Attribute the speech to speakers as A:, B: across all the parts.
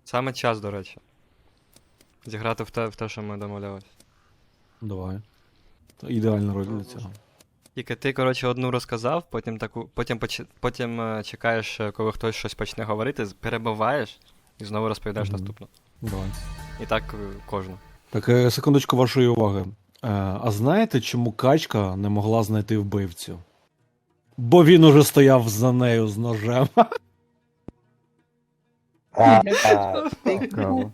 A: Саме час, до речі. Зіграти в те, що ми домовлялись.
B: Давай. Ідеальна роль для цього.
A: Тільки ти, коротше, одну розказав, потім чекаєш, коли хтось щось почне говорити, перебиваєш і знову розповідаєш наступну.
B: Давай.
A: І так кожну.
B: Так, секундочку вашої уваги. А знаєте, чому качка не могла знайти вбивцю? Бо він уже стояв за нею з ножем.
C: Цікаво.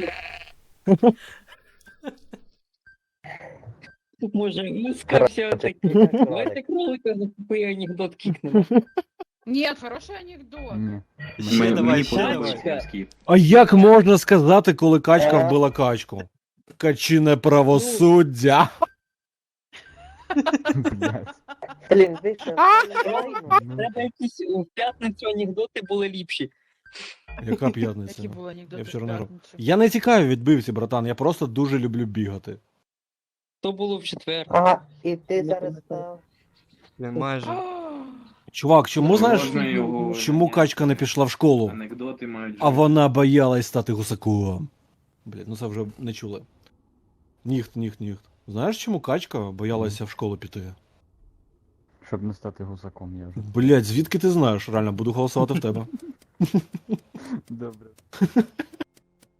D: Може, ну скажи такі. Давайте кролика за тупий анекдот кикнемо.
E: Нет, хороший анекдот.
C: Ні.
A: Ще давай,
F: Мені
A: ще
F: подобається
D: давай.
F: морський.
B: А як можна сказати, коли качка вбила качку? Качине правосуддя.
C: Блядь.
G: Блін, ви що?
D: Треба якісь в п'ятницю анекдоти були ліпші.
B: Яка п'ятниця?
E: Які були анекдоти
B: Я
E: в
B: вчора не грав.
E: п'ятницю?
B: Я не тікаю від бивці, братан, я просто дуже люблю бігати.
D: То було в четвер.
G: Ага, і ти зараз став.
A: Він майже.
B: Чувак, чому знаєш,
F: Можна його
B: чому
F: наняти.
B: качка не пішла в школу?
F: Анекдоти мають.
B: А вона боялась стати гусаком. Блін, ну це вже не чули. Ніхт. Знаєш, чому качка боялася в школу піти?
C: Щоб не стати гусаком, я вже.
B: Блять, звідки ти знаєш? Реально, буду голосувати в тебе.
C: Добре.